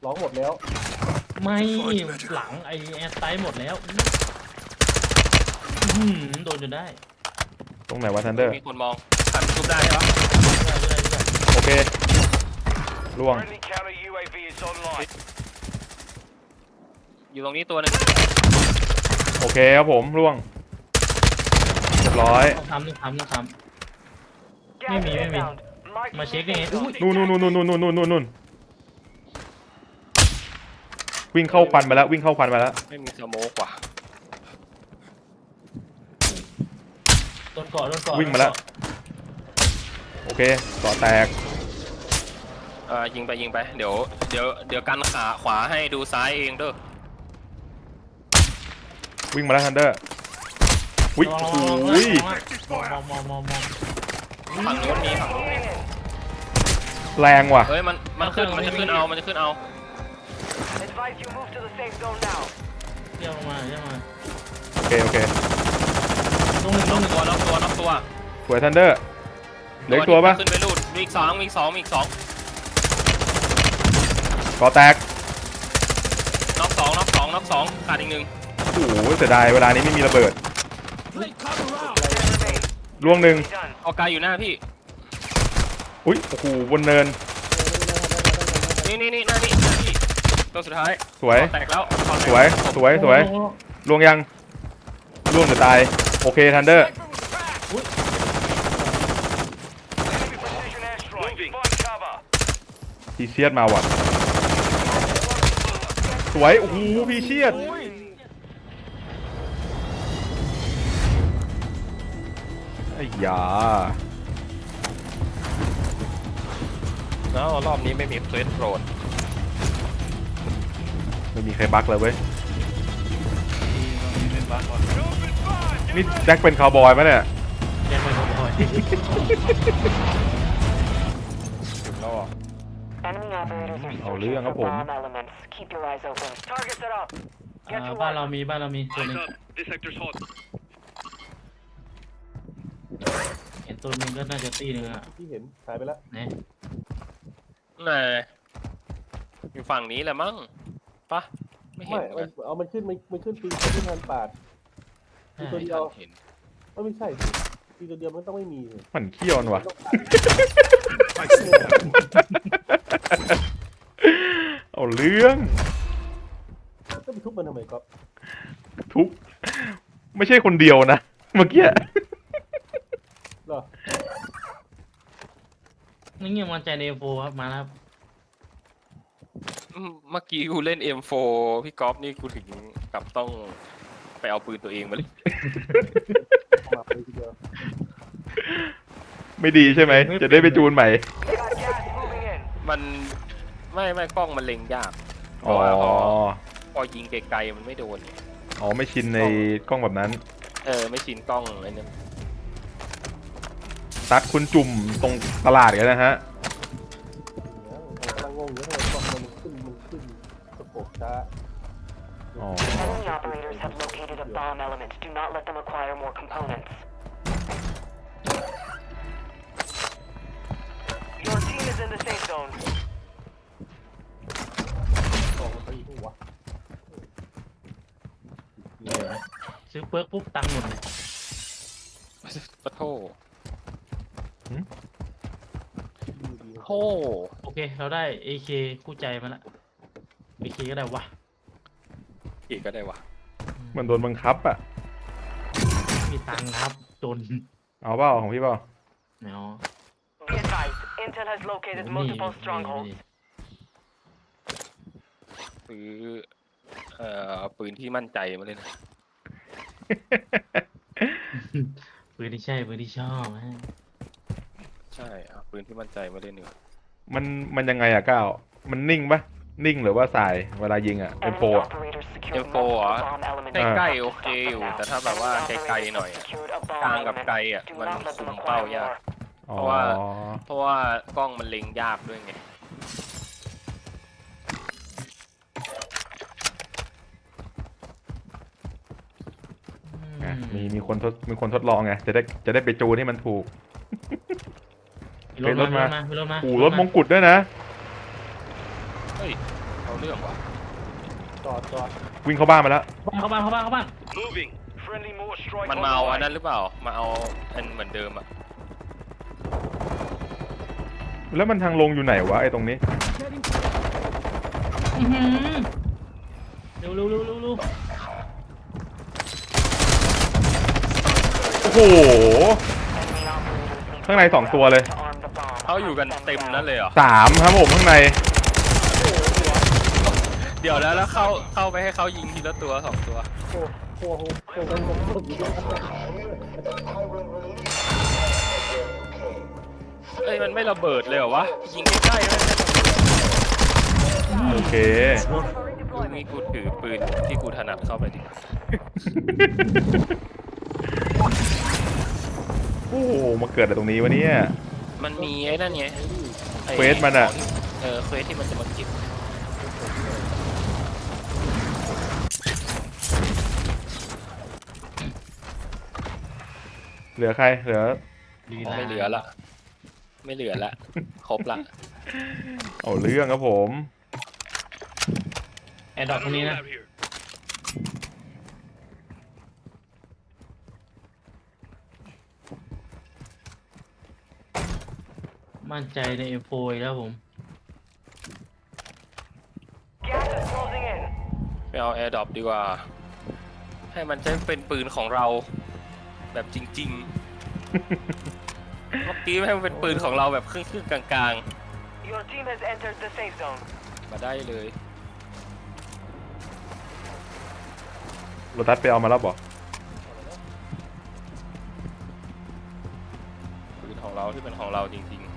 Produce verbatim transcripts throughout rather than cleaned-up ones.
ร้องหมดแล้วไม่หลังไอแอร์ไซด์หมดแล้วอืมโดนจนได้ตรงไหนวะทันเดอร์มีคนมองทันทุบได้ใช่ปะโอเคล่วงอยู่ตรงนี้ตัวนึงโอเคครับผมล่วงเรียบร้อยต้องทำต้องทำต้องทำไม่มีไม่มีมาเช็คยังไงอุ้ยนู่นนู่นนู่นนู่นนู่นนู่นนู่นนู่นวิ่งเข้าควันไปแล้ววิ่งเข้าควันไปแล้วไม่มีสโมกว่ะโดนเกาะโดนเกาะวิ่งมาแล้วโอเคเกาะแตกเออยิงไปยิงไปเดี๋ยวเดี๋ยวเดี๋ยวกันขาขวาให้ดูซ้ายเองเด้อวิ่งมาแล้วทันเดอร์วิ่งโอ้ยมองมองมองมองฝั่งนู้นมีฝั่งนู้นมีแรงว่ะเฮ้ยมันมันขึ้นมันจะขึ้นเอามันจะขึ้นเอาเที่ยวมาเที่ยวมาโอเคโอเคตรงหนึ่งตรงหนึ่งตัวน็อกตัวน็อกตัวสวยทันเดอร์เหลือตัวปะขึ้นไปรูดมีอีกสองมีอีกสองมีอีกสองก่อแตกน็อกสองน็อกสองน็อกสองขาดอีกหนึ่งโอ้โหเสียดายเวลานี้ไม่มีระเบิดล่วงหนึ่งออกไกลอยู่หน้าพี่อุ้ยโอ้โหบนเนินนี่นี่นี่หน้านี่หน้าพี่ตัวสุดท้ายสวยแตกแล้วสวยสวยสวยล่วงยังล่วงหรือตายโอเคทันเดอร์พีเชียดมาว่ะสวยโอ้โหพีเชียดไอ้ยาแล้วรอบนี้ไม่มีเฟสโรดไม่มีใครบั๊กเลยเว้ยนี่แจ็คเป็นคาวบอยไหมเนี่ยแจ็คเป็นคาวบอยเอาเรื่องครับผมบ้านเรามีบ้านเรามีตัวนึงเห็นตัวนึงก็น่าจะตีนึงอ่ะที่เห็นหายไปแล้วเนี่ยไหนอยู่ฝั่งนี้แหละมั้งปะไม่เห็นเอามันขึ้นมันมันขึ้นปีขึ้นพันปาดตัวเดียวเห็นไม่ใช่ปีตัวเดียวมันต้องไม่มีมันเขี้ยวนวะเอาเรื่องก็ไปทุบมันทำไมก๊อฟทุบไม่ใช่คนเดียวนะเมื่อกี้หรอนี่เงี้ยมันใจเนโฟครับมาแล้วเมื่อกี้กูเล่น เอ็ม โฟร์ พี่ก๊อฟนี่กูถึงกับต้องไปเอาปืนตัวเองมาเลยไม่ดีใช่ไหมจะได้ไปจูนใหม่มันไม่ไม่กล้องมันเล็งยากอ๋อพอยิงไกลๆมันไม่โดนอ๋อไม่ชินในกล้องแบบนั้นเออไม่ชินกล้องอะไรเนี่ยตัดคุณจุ่มตรงตลาดกันนะฮะกำลังงงอยู่เลยกล้องมันขึ้นมันขึ้นสโคปช้าอ๋อซื้อเปิร์กปุ๊บตังค์หมดเลยปะโถโธ่โอเคเราได้ เอ เค คู่ใจมาละ เอ เค ก็ได้วะอีกก็ได้วะมันโดนบังคับอ่ะมีตังค์ครับจนเอาเปล่าของพี่เปล่าเนาะซื้อเอ่อปืนที่มั่นใจมาเลยนะปืนที่ใช่ปืนที่ชอบฮะใช่เอาปืนที่มั่นใจมาเล่นเนื้อมันมันยังไงอะก้าวมันนิ่งปะนิ่งหรือว่าสายเวลายิงอะ เอ็ม โฟร์ อะเอ็ม โฟร์ เหรอใกล้ๆโอเคอยู่แต่ถ้าแบบว่าไกลๆหน่อยกลางกับไกลอ่ะมันคุมเป้ายากเพราะว่าเพราะว่ากล้องมันเล็งยากด้วยไงมีมีคนทดมีคนทดลองไงจะได้จะได้ไปจูนให้มันถูกรถมา รถมาโอ้รถมงกุฎด้วยนะเฮ้ยเอาเรื่องว่ะจอดจอดวิ่งเข้าบ้านมาแล้วเข้าบ้านเข้าบ้านเข้าบ้านมันมาเอาอันนั้นหรือเปล่ามาเอาอันเหมือนเดิมอะแล้วมันทางลงอยู่ไหนวะไอ้ตรงนี้อื้อหือเร็วเร็วเร็วเร็วเร็วโอ้โหข้างในสองตัวเลยเขาอยู่กันเต็มนั่นเลยเหรอสามครับผมข้างในเดี๋ยวแล้วแล้วเข้าเข้าไปให้เขายิงทีละตัวสองตัวโอ้โหโอ้โหโอ้โหโอ้โหอยู่ด้วยกันเอ้ยมันไม่ระเบิดเลยเหรอวะยิงใกล้ๆเลยโอเคนี่กูถือปืนที่กูถนัดเข้าไปดิโอ้โหมาเกิดอะไรตรงนี้วะเนี่ยมันมีไอ้นั่นไงไอ้เควสมันอะเออเควสที่มันจะมาเก็บเหลือใครเหลือดีนะไม่เหลือละไม่เหลือละครบละเอาเรื่องครับผมแอร์ดรอปตรงนี้นะมั่นใจใน เอ็ม โฟร์ อีกแล้วผมไปเอาแอร์ดรอปดีกว่า ให้มันใช้เป็นปืนของเราแบบจริงๆ เมื่อกี้ให้มันเป็นปืนของเราแบบครึ่งๆกลางๆมาได้เลยโรตัสไปเอามาแล้วบอกปืนของเราที่เป็นของเราจริง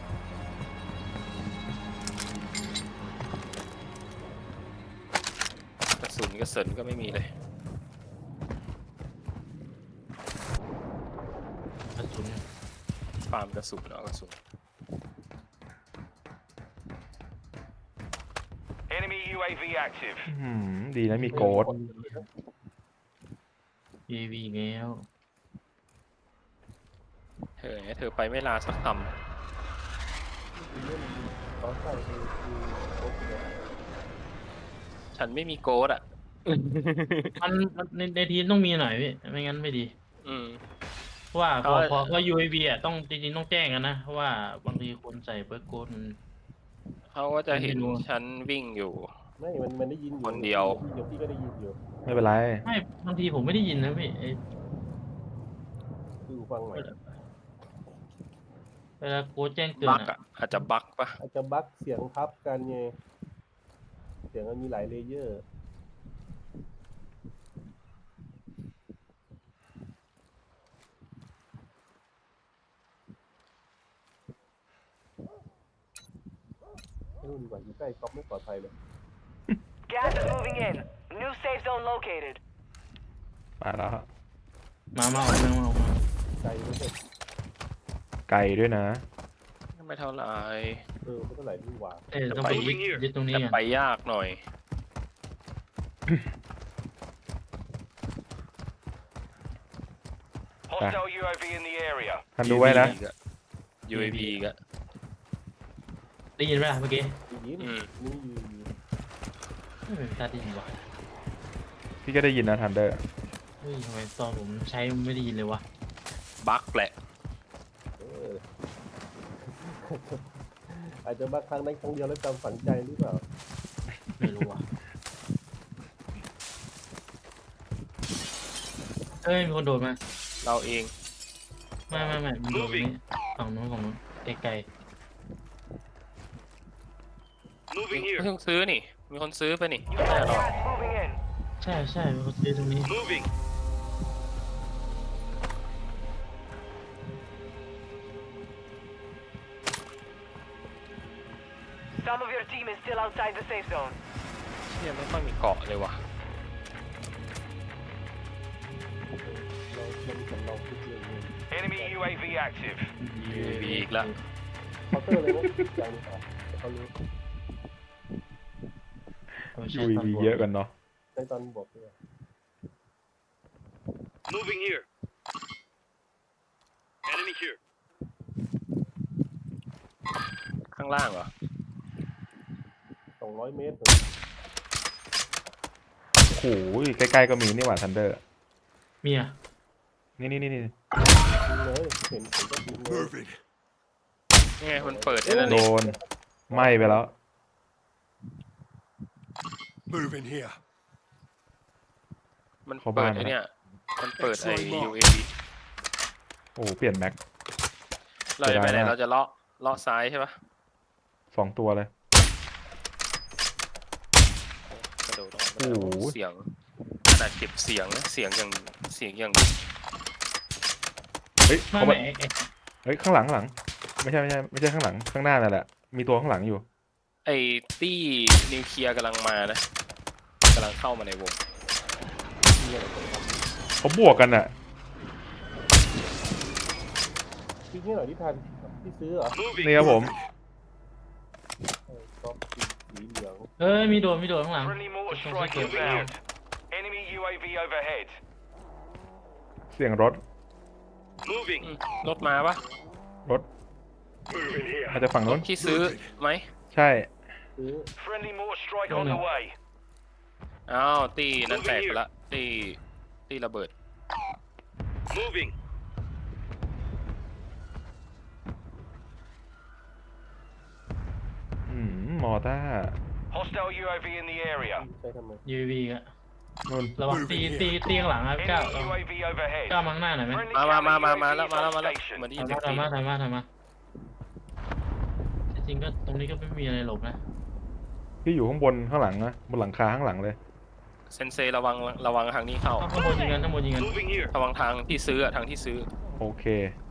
ๆกระสุนกระสุนก็ไม่มีเลยกระสุนฟาร์มกระสุนเอากระสุน Enemy ยู เอ วี active. อื้อหือดีนะมีโกดเอวีแล้วเธอเธอไปไม่ลาสักคตอนใส่คือคือโค้ชเนี่ยำฉันไม่มีโกดอ่ะมันในในทีมต้องมีหน่อยพี่ไม่งั้นไม่ดีอืมเพราะว่าพอเอาพอเพราะ ยู เอ วี อ่ะต้องจริงๆต้องแจ้งกันนะเพราะว่าบางทีคนใส่เบิร์กโกดมันเขาก็จะเห็นไม่รู้ฉันวิ่งอยู่ไม่มันมันได้ยินอยู่คนเดียวเดี๋ยวพี่ก็ได้ยินอยู่ไม่เป็นไรไม่บางทีผมไม่ได้ยินนะพี่ไอ้คือฟังหน่อยเวลาโค้ดแจ้งเตือบันกอ่ะอ่ะอาจจะบักปะอาจจะบั๊กเสียงทับกันไงเสียงมันมีหลายเลเยอร์ไม่รู้ดีกว่าอยู่ใกล้ก๊อฟไม่ปลอดภัยเลย Gas is moving in. New safe zone located. ไปแล้วฮะมามาออกมามาออกมาไกลไม่ใช่ไกลด้วยนะไม่เท่าไหร่เออไม่เท่าไหร่ดีกว่าเอ้ยต้องไปยึดยึดตรงนี้แต่กันไปยากหน่อย Hostile ยู เอ วี in the area. ทันดูไว้นะยู เอ วี ก็ได้ยินไหมล่ะเมื่อกี้ดียินอืมนี่อยู่ไม่เป็นตาได้ยินวะพี่ก็ได้ยินนะทันเดอร์เฮ้ยทำไมตอนผมใช้ไม่ได้ยินเลยวะบักแหละเออ อาจจะบั๊กครั้งนั้นครั้งเดียวแล้วจำฝังใจหรือเปล่าไม่รู้วะเอ้ยมีคนโดดมาเราเองไม่ไม่ไม่มันโดดตรงนี้ฝั่งนู้นฝั่งนู้นไกล Moving ไม่ here. ต้องซื้อนี่ มีคนซื้อไปนี่ You got gas moving in. ๆใช่ใช่มีคนซื้อตรงนี้ Moving. Some of your team is still outside the safe zone. เชี่ยไม่ค่อยมีเกาะเลยว่ะเราเรามีสำรองทุกเรื่องเลย Enemy ยู เอ วี active. ยู เอ วี อีกแล้วเคาน์เตอร์เลยนะอย่างนี้ครับเขารู้เอาไปยูใช้ตอนวีบวกเยอะกันเนาะในตอนบอกเลย Moving here. Enemy here. ข้างล่างเหรอสองร้อยเมตรโอ้โหใกล้ๆก็มีนี่หว่าทันเดอร์มีอ่ะนี่นี่นี่นี่ยิงเลยเห็นผมก็ยิงเลยนี่ไงมันเปิดได้แล้วโดนี่นไหม้ไปแล้ว Move in here. มันเข้าเปิบ้าดนไอ้เนี่ยมันเปิดไอ้ ยู เอ วีโอ้โหเปลี่ยนแม็กเราจะไปไหนเสียดายมากเราจะเลาะเลาะซ้ายใช่ปะสองตัวเลยกระโดดออกมาโอ้โหเสียงขนาดเก็บเสียงนะเสียงอย่างเสียงอย่างเฮ้ยไม่เขาไม่มาไอ้ไอ้เฮ้ยข้างหลังข้างหลัง ไม่ใช่ไม่ใช่ไม่ใช่ข้างหลังข้างหน้านั่นแหละมีตัวข้างหลังอยู่ไอ้ตี้นิวเคลียร์กำลังมานะกำลังเข้ามาในวงเขาบวกกันอ่ะพี่นี่หน่อยที่ทันที่ซื้อเหรอนี่ครับผมเออก็สีเหลืองเอ้ยมีโดนมีโดนข้างหลัง Friendly mortar ตรง strike ที่เกิด inbound. Enemy ยู เอ วี overhead. เสียงรถ Moving. อืมรถมาปะรถ Move in here. อาจจะฝั่งโน้นที่ซื้อไหมใช่ซื้อ Friendly mortar strike Don't on the know. way. อ้าวตีนั่นแตกไปละตีตีระเบิด Moving. อืมมอต้า Hostile ยู เอ วี in the area. ใช้ทำไมยูวีอ่ะนู่นระวังตีตีตีข้างหลังครับก้าว Enemy ยู เอ วี overhead. ก้าวมาข้างหน้าหน่อยไหม Friendly มามามา counter มามาแล้วยูมาเอแล้วมาวีแล้ว station. เหมือนได้ยินเสียงทำตีมาทำมาทำมาทำมาจริงๆก็ตรงนี้ก็ไม่มีอะไรหลบนะพี่อยู่ข้างบนข้างหลังนะบนหลังคาข้างหลังเลยเซนเซระวังระวังทางนี้เข้าข้างบนยิงกันข้างบนยิงกัน Moving here. ระวังทางที่ซื้ออะทางที่ซื้อโอเค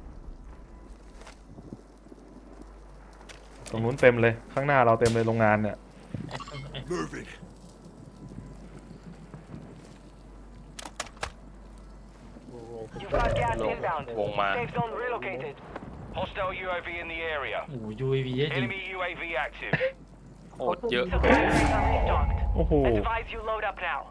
ตรงนู้นเต็มเลย ข้างหน้าเราเต็มเลยโรงงานเนี่ยไอ้ไอ้ Moving. You've got gas ลง inbound. วงมา Safe zone relocated. Hostile ยู เอ วี in the area. โอ้โหยูวีเยอะจริง Enemy ยู เอ วี active. โคตรเยอะ Supply crates are restocked. โอ้โห Advise you load up now.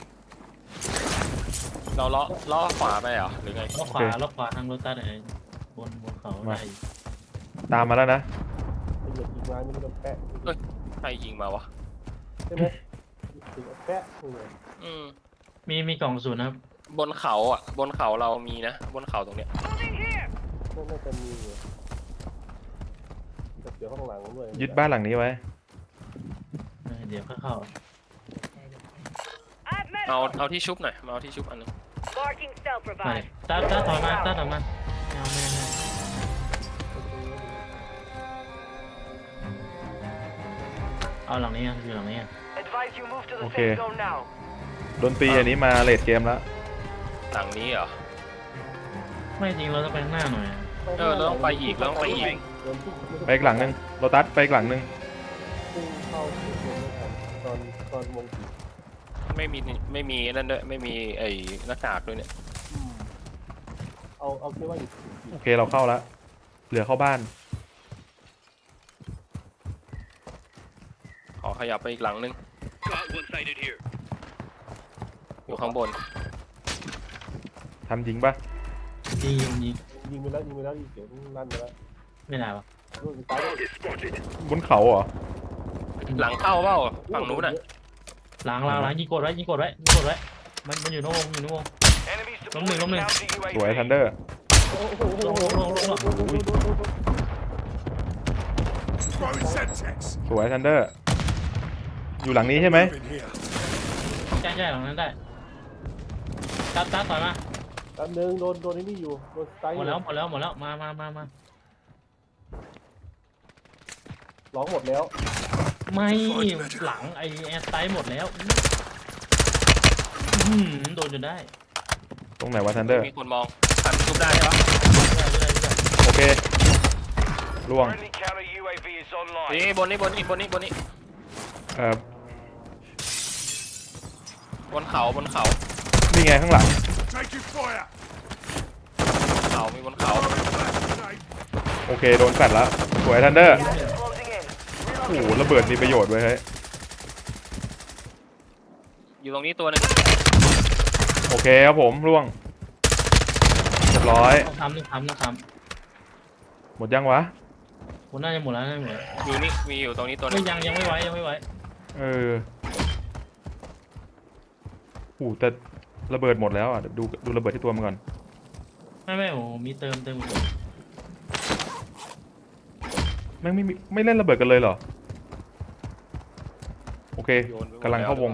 เราเลาะเลาะขวาไปเหรอหรือไงล็อกขวาโอเคล็อกขวาทางรถตัดไอ้บนบนเขามาได้ตามมาแล้วนะไอ้เหยียบยิงไม้ไม่ได้โดนแปะใครยิงมาวะใช่ไหมถึงแปะเลยอืมมีมีกล่องศูนย์นะครับบนเขาอ่ะ บนเขาเรามีนะ บนเขาตรงเนี้ย Moving here. น่าจะมีอยู่แต่เดี๋ยวข้างหลังด้วยยึดบ้านหลังนี้ไว้เออเดี๋ยวเข้าเข้า I've met เอาเอาที่ชุบหน่อยมาเอาที่ชุบอันนึง Marking cell มาเลย provided. ตาตาถอยมาตาถอยมาไม่เอาไม่เอาไม่เอาเอาหลังนี้อ่ะอยู่หลังนี้อ่ะ Advise you move to the Okay. safe zone now. ดนตรีอันนี้มาเลดเกมแล้วหลังนี้เหรอไม่จริงเราต้องไปข้างหน้าหน่อยอะเออเราต้องไปอีกเราต้องไปอีกเดินพุ่งไปอีกหลังนึงโรตัสไปอีกหลังนึงพุ่งเข้าถึงไม่ทันตอนตอนวงสีไม่มีไม่มีนั่นด้วยไม่มีไอ้หน้ากากด้วยเนี่ยเอาเอาแค่ว่าอยู่โอเคเราเข้าแล้ว เหลือเข้าบ้านขอขยับไปอีกหลังนึง Got one sighted here. อยู่ข้างบนทำจริงปะยิงยิงยิงยิงไปแล้วยิงไปแล้วยิงเสียงลั่นไปแล้วไม่ได้ปะลูกซ้าย Target spotted. บนเขาเหรอหลังเข้าเปล่าฝั่งนู้นน่ะหลังหลังหลังยิงกดไว้ยิงกดไว้ยิงกดไว้มันมันอยู่นอกวงอยู่นอกวง Enemy Lắm mình, lắm supporting mình. counter สวยยูทัเอนวี. เดอร์โอ้โหลงลงลงลงลง Throwing Semtex. สวยทันเดอร์ อยู่หลังนี้ใช่ไหม Move in here. ใช่ใช่หลังนั้นได้ตาตาถอยมาแป๊บนึงโดนโดนไอ้นี่อยู่โดนซ้ายหมดแล้วหมดแล้วหมดแล้วมามามามาร้องหมดแล้วไม่หลังไอแอร์ไซด์หมดแล้วอื้อหือโดนจนได้ตรงไหนวะทันเดอร์มีคนมองทันชุบได้ใช่ปะไม่ได้ไม่ได้ไม่ได้โอเคล่วง Friendly counter ยู เอ วี is online. นี่บนนี้บนนี้บนนี้บนนี้เอ่อบนเขาบนเขานี่ไงข้างหลัง Taking fire. เขามีบนเขา Grenade. โอเคโดนแฟดแล้ว สวยทันเดอร์ Gas is closing in. โอ้โหระเบิดมีประโยชน์เว้ยเฮ้ยอยู่ตรงนี้ตัวหนึงโอเคครับผมล่วงเรียบร้อยต้องทำต้องทำต้องทหมดยังวะำผมน่าจะหมดแล้วน่าจะหมดแล้วอยู่นี่มีอยู่ตรงนี้ตัวหนึไม่งยังยังไม่ไหวยังไม่ไหวเออโอ้แต่ระเบิดหมดแล้วอ่ะเดี๋ยวดูดูระเบิดที่ตัวมันก่อนไม่ไม่โอ้มีเติมเติมเติมแม่งไม่มีไม่เล่นระเบิดกันเลยเหรอโอเคโยนไปหมดกำลังเข้าวง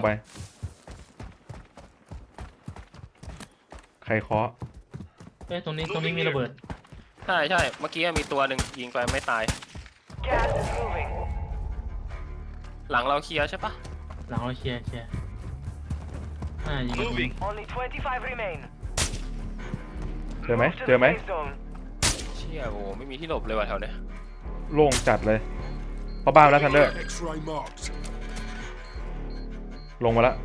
แล้วไป ใครเคาะเอ้ยตรงนี้ตรงนี้มีระเบิดใช่ใช่เมื่อกี้มีตัวหนึ่งยิงไปไม่ตาย Gas is moving. หลังเราเคลียร์ใช่ปะหลังเราเคลียร์เคลียร์อ่ายิง Moving. Only twenty-five remain. เจอไหม Move to เจอไหม the safe zone. เชี่ยโอ้ไม่มีที่หลบเลยว่ะแถวเนี้ยโล่งจัดเลยเข้าบ้านแล้วทันเดอร์ X-ray marked. ลงมาแล้ว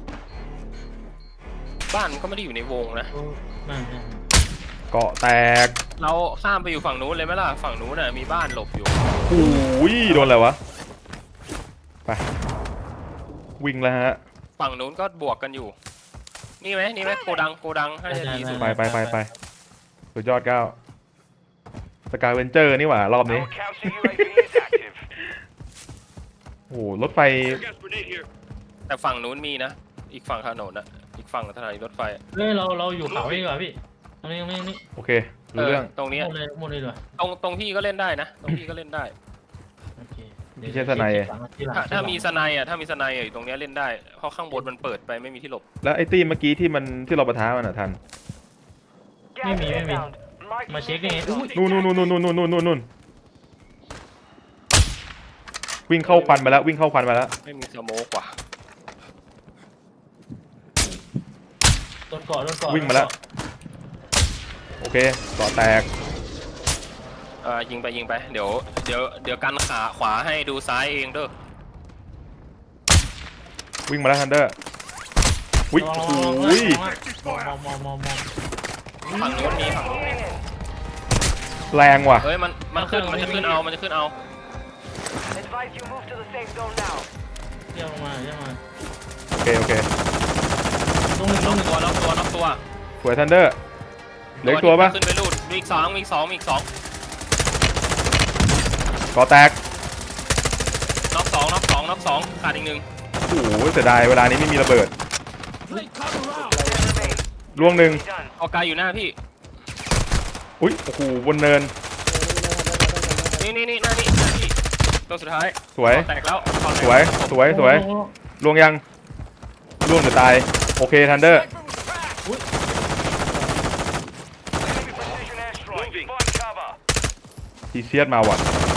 บ้านมันก็ไม่ได้อยู่ในวงนะโอ้ไม่ไม่เกาะแตกเราข้ามไปอยู่ฝั่งนู้นเลยไหมล่ะฝั่งนู้นน่ะมีบ้านหลบอยู่โอ้ยโดนอะไรวะไปวิ่งแล้วฮะฝั่งนู้นก็บวกกันอยู่ นี่ไหมนี่ไหมโกดังโกดังให้จะดีสุดไปไปไปไปสุดยอดก้าวสกายเวนเจอร์นี่หว่ารอบนี้ Our counter U A V is active. โอ้โหรถไฟ Gas grenade here. แต่ฝั่งนู้นมีนะ อีกฝั่งถนนน่ะอีกฝั่งถนนรถไฟเฮ้ยเราเราอยู่เขาดีกว่าพี่ตรงนี้ตรงนี้ตรงนี้โอเครู้เรื่องตรงเนี้ยหมดเลยหมดเลยดีกว่าตรงตรงพี่ก็เล่นได้นะ ตรงพี่ก็เล่นได้โอเคพี่ใช้สไนด์ที่หลังถ้าที่หลังถ้ามีสไนด์อ่ะถ้ามีสไนด์อ่ะอยู่ตรงเนี้ยเล่นได้ เพราะข้างบนมันเปิดไปไม่มีที่หลบแล้วไอ้ตี้เมื่อกี้ที่มันที่เราปะทะมันอ่ะทัน Gas is inbound. Mark มา the เช็คนี่ safe อุ้ย zone. นู่นนู่นนู่นนู่นนู่นนู่นนู่นนู่นวิ่งเข้าควันมาแล้ววิ่งเข้าควันมาแล้วไม่มีสโมกว่ะต้นเกาะต้นเกาะวิ่งมาแล้ว โอเคเกาะแตกเออยิงไปยิงไปเดี๋ยวเดี๋ยวเดี๋ยวกันขาขวาให้ดูซ้ายเองเด้อวิ่งมาแล้วทันเดอร์วิ่งระโอ้วังโหระวังระวังมองมองมองมองฝั่งนู้นมีฝั่งนู้น Moving in. แรงว่ะเฮ้ยมันมันขึ้นมันจะขึ้นเอามันจะขึ้นเอา Advise you move to the safe zone now. เยี่ยมมาเยี่ยมมาโอเคโอเคตรงหนึ่งตรงหนึ่งตัวนอกตัวนอกตัวสวยทันเดอร์เหลืออกตัวปะขึ้นไปรูดมีอีกสองมีอีกสองมีอีกสองเกาะแตกนอกสองนอกสองนอกสองขาดอีกหนึ่งโอ้โหเสียดายเวลานี้ไม่มีระเบิด Ten remain. ล่วงหนึ่ง Be done. เอาไกลอยู่หน้าพี่อุ้ยโอ้โหบนเนินนี่นี่นี่หน้านี่หน้าพี่ตัวสุดท้ายสวยแตกแล้วสวยสวยสวยล่วงยังล่วงหรือตายโอเคทันเดอร์ Enemy precision airstrike. Find cover. พีเชียดมาว่ะ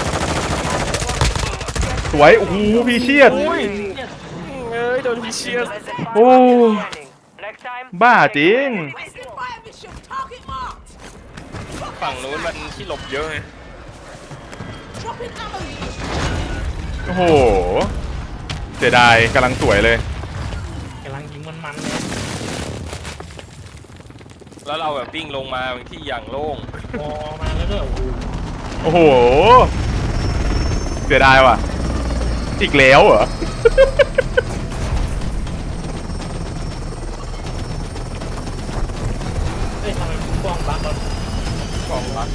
สวยโอ้โหพีเชียดเอ้ยโดนเชียร์ Less than five Oh. seconds remaining. Next time. บ้าจริง Requesting fire mission. Target marked. ฝั่งนู้นมันที่หลบเยอะไง Dropping ammo. โอ้โหเสียดายกำลังสวยเลยกำลังยิงมันมันเลยแล้วเราแบบวิ่งลงมาบางที่อย่างโล่งมอมาแล้วก็โอ้โหโอ้โหเสียดายว่ะอีกแล้วเหรอเฮ้ยทำไมกล้องบักแล้วกองรัก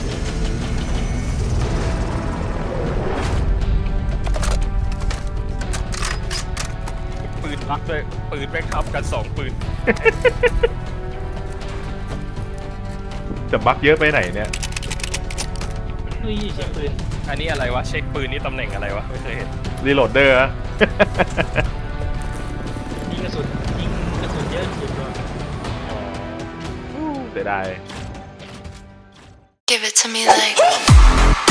ปืนรักด้วยปืนแม่งทับกันสองปืนจะบักเยอะไปไหนเนี่ยเฮ้ยเช็คปืนอันนี้อะไรวะเช็คปืนนี่ตำแหน่งอะไรวะไม่เคยเห็นรีโหลดเดอร์อะยิงกระสุนยิงกระสุนเยอะสุดเลยเสียดาย Give it to me like.